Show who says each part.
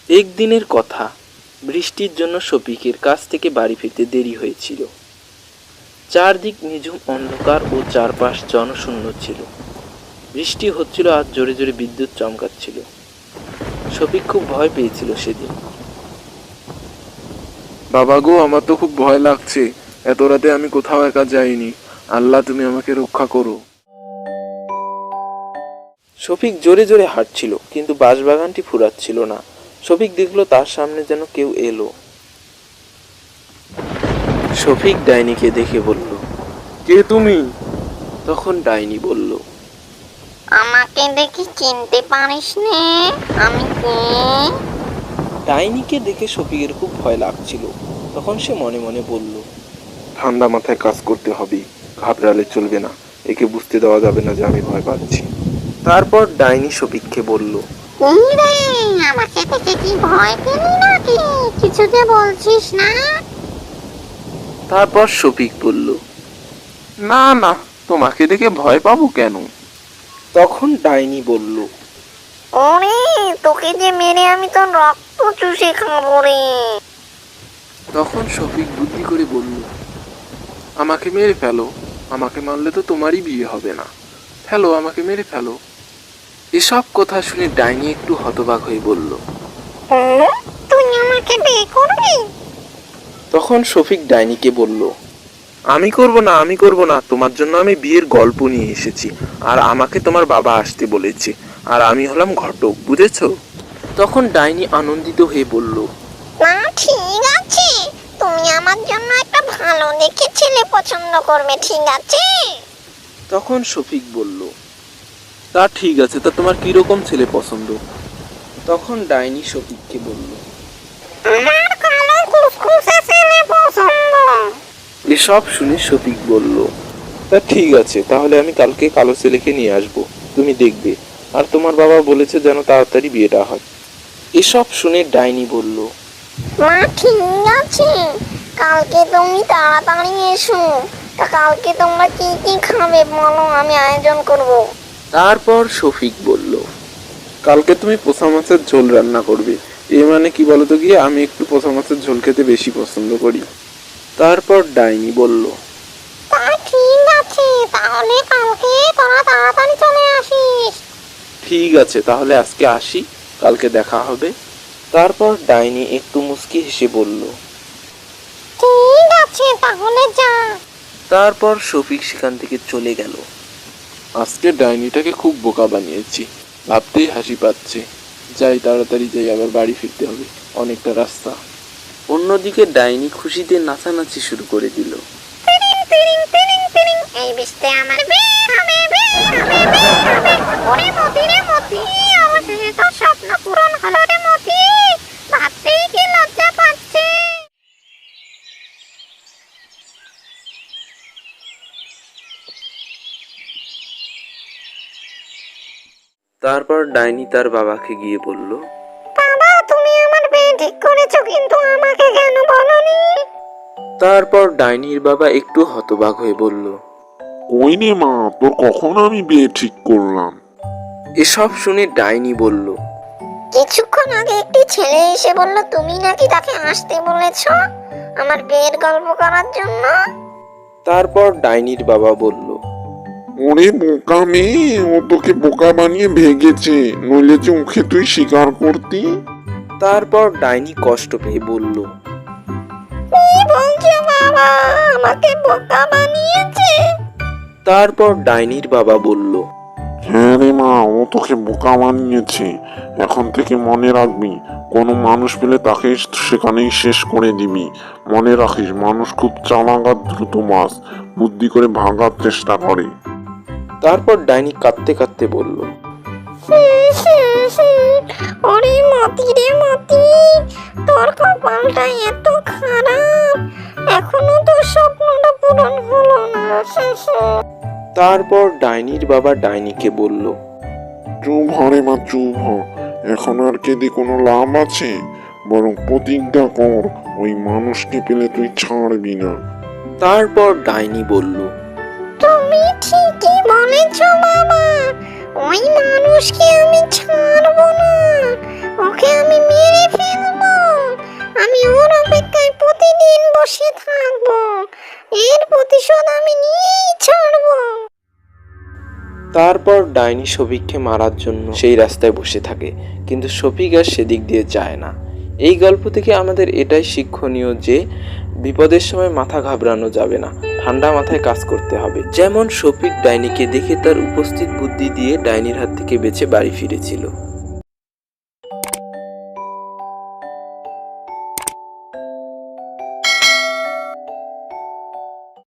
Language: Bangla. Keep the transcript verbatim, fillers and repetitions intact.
Speaker 1: একদিনের কথা, বৃষ্টির জন্য শফিকের কাছ থেকে বাড়ি ফিরতে দেরি হয়েছিল। চারদিক নিঝুম অন্ধকার ও চারপাশ জনশূন্য ছিল। বৃষ্টি হচ্ছিল আর জোরে জোরে বিদ্যুৎ চমকাচ্ছিল। শফিক খুব ভয় পেয়েছিল সেদিন।
Speaker 2: বাবা গো, আমার তো খুব ভয় লাগছে। এত রাতে আমি কোথাও একা যাইনি। আল্লাহ, তুমি আমাকে রক্ষা করো।
Speaker 1: শফিক জোরে জোরে হাঁটছিল, কিন্তু বাঁশবাগানটি ফুরাচ্ছিল না। শফিক দেখলো তার সামনে যেন কেউ এলো। শফিক ডাইনিকে দেখে বলল,
Speaker 2: কে তুমি?
Speaker 1: তখন ডাইনি বলল,
Speaker 3: আমাকে দেখে চিনতে পারিস নে? আমি কে?
Speaker 1: ডাইনিকে দেখে শফিকের খুব ভয় লাগছিল। তখন সে মনে মনে বলল,
Speaker 2: ঠান্ডা মাথায় কাজ করতে হবে, ঘাবড়ালে চলবে না। একে বুঝতে দেওয়া যাবে না যে আমি ভয় পাচ্ছি।
Speaker 1: তারপর ডাইনি শফিককে বলল,
Speaker 3: এই রে, আমাকে দেখে কি ভয় পেলি নাকি? কিছু যে বলছিস না?
Speaker 1: তারপর শফিক বলল,
Speaker 2: না না, তোমাকে দেখে ভয় পাবো কেন?
Speaker 1: তখন ডাইনি বলল,
Speaker 3: ওরে, তোকে যে মেরে আমি তোর রক্ত চুষে খাবো রে।
Speaker 1: তখন শফিক বুদ্ধি করে বলল,
Speaker 2: আমাকে মেরে ফেলো। আমাকে মারলে তো তোমারই বিয়ে হবে না। ফেলো, আমাকে মেরে ফেলো।
Speaker 1: এসব কথা শুনে ডাইনি একটু হতবাক হয়ে বলল।
Speaker 3: তুই আমাকে বিয়ে করবি?
Speaker 1: তখন শফিক ডাইনিকে বলল,
Speaker 2: আমি করব না, আমি করব না। তোমার জন্য আমি বিয়ের গল্প নিয়ে এসেছি, আর আমাকে তোমার বাবা আসতে বলেছে, আর আমি হলাম ঘটক, বুঝেছো?
Speaker 1: তখন ডাইনি আনন্দিত হয়ে বলল,
Speaker 3: না, ঠিক আছে, তুমি আমার জন্য একটা ভালো দেখে ছেলে পছন্দ করবে, ঠিক আছে?
Speaker 1: তখন শফিক বলল, তা ঠিক আছে, তা তোমার কিরকম ছেলে পছন্দ? তখন ডাইনি শফিককে বলল,
Speaker 3: আমার কালো কুসকুসে ছেলে পছন্দ।
Speaker 1: এসব শুনে শফিক বলল, তা ঠিক আছে, তাহলে আমি কালকে কালো ছেলেকে নিয়ে আসবো, তুমি দেখবে। আর তোমার বাবা বলেছে যেন তাড়াতাড়ি বিয়েটা হয়। এসব শুনে ডাইনি বলল,
Speaker 3: না, ঠিক আছে, কালকে তুমি তাড়াতাড়ি এসো। তা কালকে তোমরা কি কি খাবে বলো, আমি আয়োজন করব।
Speaker 1: তারপর শফিক বলল,
Speaker 2: কালকে তুমি পোষা মাছের ঝোল রান্না করবে। এ মানে কি বলতো গিয়ে, আমি একটু পোষা মাছের ঝোল খেতে বেশি পছন্দ করি।
Speaker 1: তারপর ডাইনি বলল,
Speaker 3: তা ঠিক আছে, তাহলে কালকে তোরা তাড়াতাড়ি চলে আসিস।
Speaker 1: ঠিক আছে, তাহলে আজকে আসি, কালকে দেখা হবে। তারপর ডাইনি একটু মুচকি হেসে বলল,
Speaker 3: ঠিক আছে, তাহলে যা।
Speaker 1: তারপর শফিক সেখান থেকে চলে গেল।
Speaker 2: আজকে ডাইনিটাকে খুব বোকা বানিয়েছি, ভাবতেই হাসি পাচ্ছে। যাই, তাড়াতাড়ি যাই, আবার বাড়ি ফিরতে হবে, অনেকটা রাস্তা।
Speaker 1: অন্যদিকে ডাইনি খুশিতে নাচানাচি শুরু করে দিল।
Speaker 3: তিরিং তিরিং তিরিং তিরিং, এই বৃষ্টি আমার বিয়ে হবে, বিয়ে হবে, বিয়ে হবে। ওরে মতি রে মতি, অবশেষে তোর স্বপ্ন পূরণ হলো রে মতি। ভাবতেই কি লজ্জা পাচ্ছে।
Speaker 1: তারপর ডাইনি তার বাবাকে গিয়ে বলল,
Speaker 3: বাবা, তুমি আমার বিয়ে ঠিক করেছো, কিন্তু আমাকে কেন বলনি?
Speaker 1: তারপর ডাইনির বাবা একটু হতবাক হয়ে বলল,
Speaker 4: ওই নে মা, তোর কখন আমি বিয়ে ঠিক করলাম?
Speaker 1: এসব শুনে ডাইনি বলল,
Speaker 3: কিছুক্ষণ আগে একটি ছেলে এসে বলল তুমি নাকি তাকে আসতে বলেছো আমার বিয়ের গল্প করার জন্য।
Speaker 1: তারপর ডাইনির বাবা বলল,
Speaker 4: ওরে বোকা মেয়ে, ও তোকে বোকা বানিয়ে ভেগেছে, নইলে যে ওকে তুই স্বীকার করতি।
Speaker 1: তারপর ডাইনি কষ্ট পেয়ে বলল,
Speaker 3: কি বলছো বাবা, আমাকে বোকা বানিয়েছে?
Speaker 1: তারপর ডাইনির বাবা বলল,
Speaker 4: হ্যাঁ রে মা, ও তোকে বোকা বানিয়েছে। এখন থেকে মনে রাখবি, কোনো মানুষ পেলে তাকে সেখানেই শেষ করে দিবি। মনে রাখিস, মানুষ খুব চালাক আর দ্রুত মাছ, বুদ্ধি করে ভাগার চেষ্টা করে।
Speaker 1: তারপর ডাইনি কাঁদতে কাঁদতে বলল,
Speaker 3: ওরে মতি রে মতি, তোর কপালটা এত খারাপ, এখনো তোর স্বপ্নটা পূরণ হলো না।
Speaker 1: তারপর ডাইনির বাবা ডাইনিকে বলল,
Speaker 4: চুপ হ রে মা, চুপ হ। এখন আর কেঁদে কোনো লাভ আছে? বরং প্রতিজ্ঞা কর, ওই মানুষকে পেলে তুই ছাড়বি না।
Speaker 1: তারপর ডাইনি বলল,
Speaker 3: তুমি ঠিকই বলেছ বাবা, ওই মানুষকে আমি ছাড়বো না, ওকে আমি মেরে ফেলবো। বসে থাকবো, এর প্রতিশোধ আমি নিয়েই ছাড়বো।
Speaker 1: তারপর ডাইনি শফিককে মারার জন্য সেই রাস্তায় বসে থাকে, কিন্তু শফিক আর সেদিক দিয়ে যায় না। এই গল্প থেকে আমাদের এটাই শিক্ষণীয় যে বিপদের সময় মাথা ঘাবড়ানো যাবে না, ঠান্ডা মাথায় কাজ করতে হবে। যেমন শফিক ডাইনিকে দেখে তার উপস্থিত বুদ্ধি দিয়ে ডাইনির হাত থেকে বেঁচে বাড়ি ফিরেছিল।